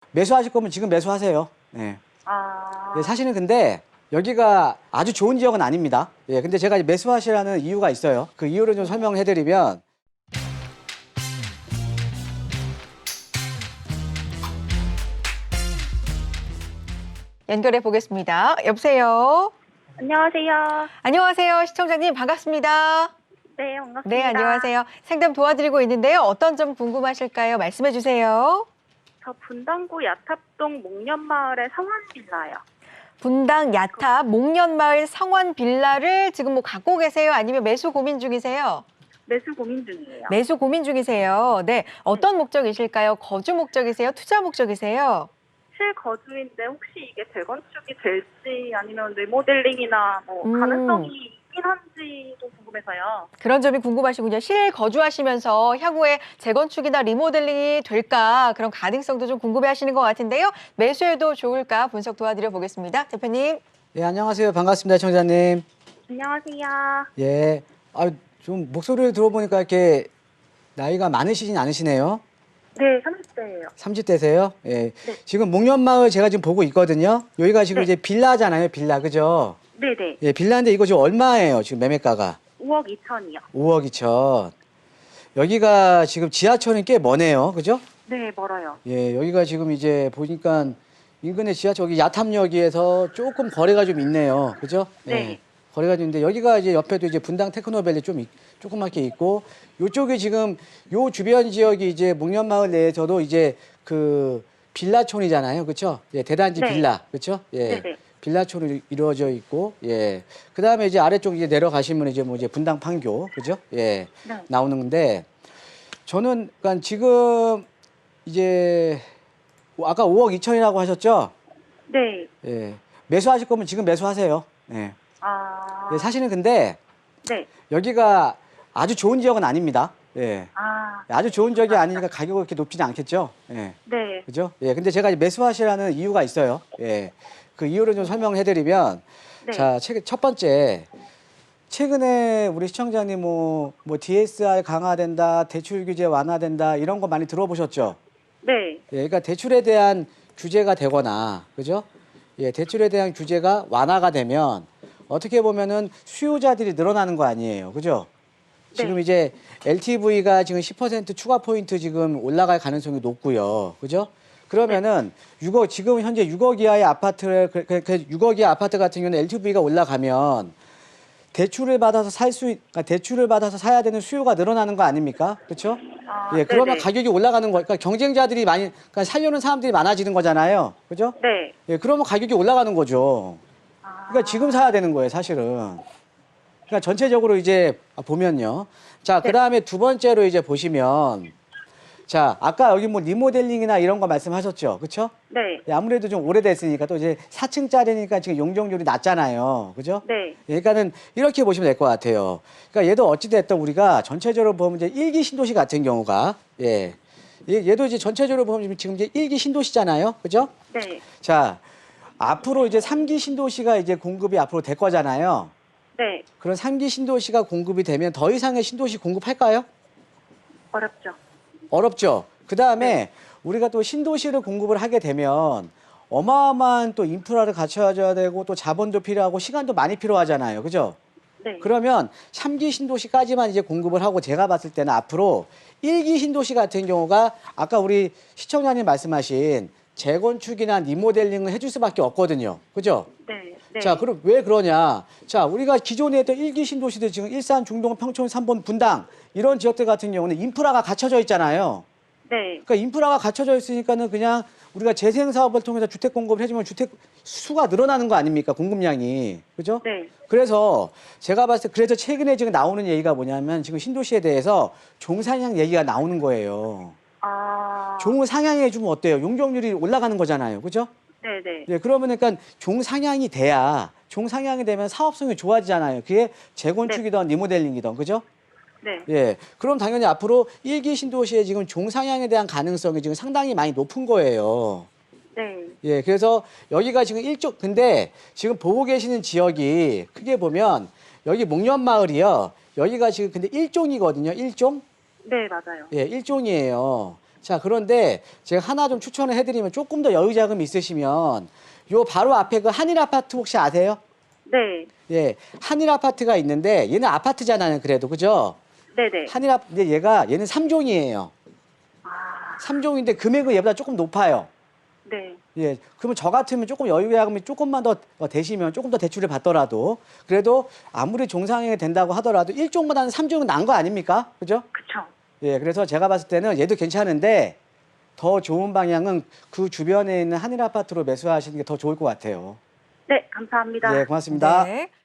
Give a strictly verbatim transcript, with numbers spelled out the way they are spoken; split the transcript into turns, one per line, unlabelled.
매수하실 거면 지금 매수하세요. 예.
아,
예, 사실은 근데 여기가 아주 좋은 지역은 아닙니다. 예, 근데 제가 매수하시라는 이유가 있어요. 그 이유를 좀 설명해 드리면
연결해 보겠습니다. 여보세요.
안녕하세요.
안녕하세요. 시청자님 반갑습니다.
네, 반갑습니다.
네, 안녕하세요. 상담 도와드리고 있는데요. 어떤 점 궁금하실까요? 말씀해 주세요.
저 분당구 야탑동 목련마을의 성원빌라요.
분당 야탑 목련마을 성원 빌라를 지금 뭐 갖고 계세요? 아니면 매수 고민 중이세요?
매수 고민 중이에요.
매수 고민 중이세요. 네, 어떤 목적이실까요? 거주 목적이세요? 투자 목적이세요?
실거주인데 혹시 이게 재건축이 될지 아니면 리모델링이나 뭐
음.
가능성이 있긴 한지도 궁금해서요.
그런 점이 궁금하시군요. 실거주하시면서 향후에 재건축이나 리모델링이 될까 그런 가능성도 좀 궁금해하시는 것 같은데요. 매수해도 좋을까 분석 도와드려 보겠습니다. 대표님.
예, 안녕하세요. 반갑습니다, 청자님.
안녕하세요.
예. 아, 좀 목소리를 들어보니까 이렇게 나이가 많으시진 않으시네요.
네, 삼십 대예요.
삼십 대세요? 예. 지금 목련마을 제가 지금 보고 있거든요. 여기가 지금
네.
이제 빌라잖아요, 빌라. 그죠?
네네.
예, 빌라인데 이거 지금 얼마예요, 지금 매매가가?
오억 이천이요.
오억 이천. 여기가 지금 지하철이 꽤 머네요. 그죠?
네, 멀어요.
예, 여기가 지금 이제 보니까 인근의 지하철, 여기 야탑역에서 조금 거리가 좀 있네요. 그죠? 예,
네.
거리가 좀 있는데 여기가 이제 옆에도 이제 분당 테크노밸리 좀 있- 조그맣게 있고 요쪽이 지금 요 주변 지역이 이제 목련마을 내에서도 이제 그 빌라촌이잖아요. 그렇죠? 예, 대단지
네.
빌라. 그렇죠? 예.
네네.
빌라촌이 이루어져 있고 예. 그다음에 이제 아래쪽 이제 내려가시면 이제 뭐 이제 분당 판교. 그죠? 예.
네.
나오는 건데 저는 그러니까 지금 이제 아까 오억 이천이라고 하셨죠?
네.
예. 매수하실 거면 지금 매수하세요. 예.
아,
예, 사실은 근데
네.
여기가 아주 좋은 지역은 아닙니다. 예.
아,
아주 좋은 지역이 아니니까 가격이 그렇게 높지는 않겠죠. 예.
네.
그죠? 예. 근데 제가 이제 매수하시라는 이유가 있어요. 예. 그 이유를 좀 설명해 드리면
네.
자, 최- 첫 번째 최근에 우리 시청자님 뭐, 뭐 디에스알 강화된다, 대출 규제 완화된다 이런 거 많이 들어보셨죠?
네.
예, 그러니까 대출에 대한 규제가 되거나, 그죠? 예, 대출에 대한 규제가 완화가 되면 어떻게 보면은 수요자들이 늘어나는 거 아니에요, 그죠? 지금
네.
이제 엘티브이가 지금 십 퍼센트 추가 포인트 지금 올라갈 가능성이 높고요, 그죠? 그러면은 육억 지금 현재 육억 이하의 아파트를 그, 그, 그 육억 이하 아파트 같은 경우는 엘티브이가 올라가면 대출을 받아서 살 수, 그러니까 대출을 받아서 사야 되는 수요가 늘어나는 거 아닙니까? 그렇죠?
아,
예, 그러면
네네.
가격이 올라가는 거, 그러니까 경쟁자들이 많이, 그러니까 살려는 사람들이 많아지는 거잖아요, 그죠?
네.
예, 그러면 가격이 올라가는 거죠.
아,
그러니까 지금 사야 되는 거예요, 사실은. 그러니까 전체적으로 이제 보면요. 자, 그 다음에 두 번째로 이제 보시면, 자, 아까 여기 뭐 리모델링이나 이런 거 말씀하셨죠, 그렇죠?
네.
예, 아무래도 좀 오래됐으니까 또 이제 사 층짜리니까 지금 용적률이 낮잖아요. 그죠?
네.
예, 그러니까는 이렇게 보시면 될 것 같아요. 그러니까 얘도 어찌됐든 우리가 전체적으로 보면 이제 일기 신도시 같은 경우가, 예. 얘- 얘도 이제 전체적으로 보면 지금 이제 일기 신도시잖아요. 그죠?
네.
자, 앞으로 이제 삼기 신도시가 이제 공급이 앞으로 될 거잖아요.
네.
그런 삼기 신도시가 공급이 되면 더 이상의 신도시 공급할까요?
어렵죠.
어렵죠. 그 다음에 우리가 또 신도시를 공급을 하게 되면 어마어마한 또 인프라를 갖춰줘야 되고 또 자본도 필요하고 시간도 많이 필요하잖아요. 그죠?
네.
그러면 삼 기 신도시까지만 이제 공급을 하고 제가 봤을 때는 앞으로 일 기 신도시 같은 경우가 아까 우리 시청자님 말씀하신 재건축이나 리모델링을 해줄 수밖에 없거든요. 그죠?
네. 네.
자, 그럼 왜 그러냐? 자, 우리가 기존에 했던 일 기 신도시들 지금 일산, 중동, 평촌, 삼본, 분당 이런 지역들 같은 경우는 인프라가 갖춰져 있잖아요.
네.
그러니까 인프라가 갖춰져 있으니까는 그냥 우리가 재생 사업을 통해서 주택 공급을 해주면 주택 수가 늘어나는 거 아닙니까? 공급량이. 그죠?
네.
그래서 제가 봤을 때 그래서 최근에 지금 나오는 얘기가 뭐냐면 지금 신도시에 대해서 종상향 얘기가 나오는 거예요.
아,
종을 상향해 주면 어때요? 용적률이 올라가는 거잖아요. 그죠?
네. 네.
예, 그러면 그러니까 종상향이 돼야 종상향이 되면 사업성이 좋아지잖아요. 그게 재건축이든 리모델링이든. 그죠?
네.
예. 그럼 당연히 앞으로 일 기 신도시에 지금 종상향에 대한 가능성이 지금 상당히 많이 높은 거예요.
네.
예. 그래서 여기가 지금 일종, 근데 지금 보고 계시는 지역이 크게 보면 여기 목련마을이요. 여기가 지금 근데 일종이거든요. 일종?
네, 맞아요.
예, 일종이에요. 자, 그런데 제가 하나 좀 추천을 해드리면 조금 더 여유 자금이 있으시면 요 바로 앞에 그 한일 아파트 혹시 아세요?
네.
예, 한일 아파트가 있는데 얘는 아파트잖아요. 그래도 그죠?
네네.
한일 아파트 근데 얘가 얘는 삼 종이에요.
아,
삼 종인데 금액은 얘보다 조금 높아요.
네.
예, 그러면 저 같으면 조금 여유 자금이 조금만 더 어, 되시면 조금 더 대출을 받더라도 그래도 아무리 종상이 된다고 하더라도 일 종보다는 삼 종은 나은 거 아닙니까? 그죠?
그쵸.
예, 그래서 제가 봤을 때는 얘도 괜찮은데 더 좋은 방향은 그 주변에 있는 한일 아파트로 매수하시는 게 더 좋을 것 같아요.
네, 감사합니다.
예, 고맙습니다.
네.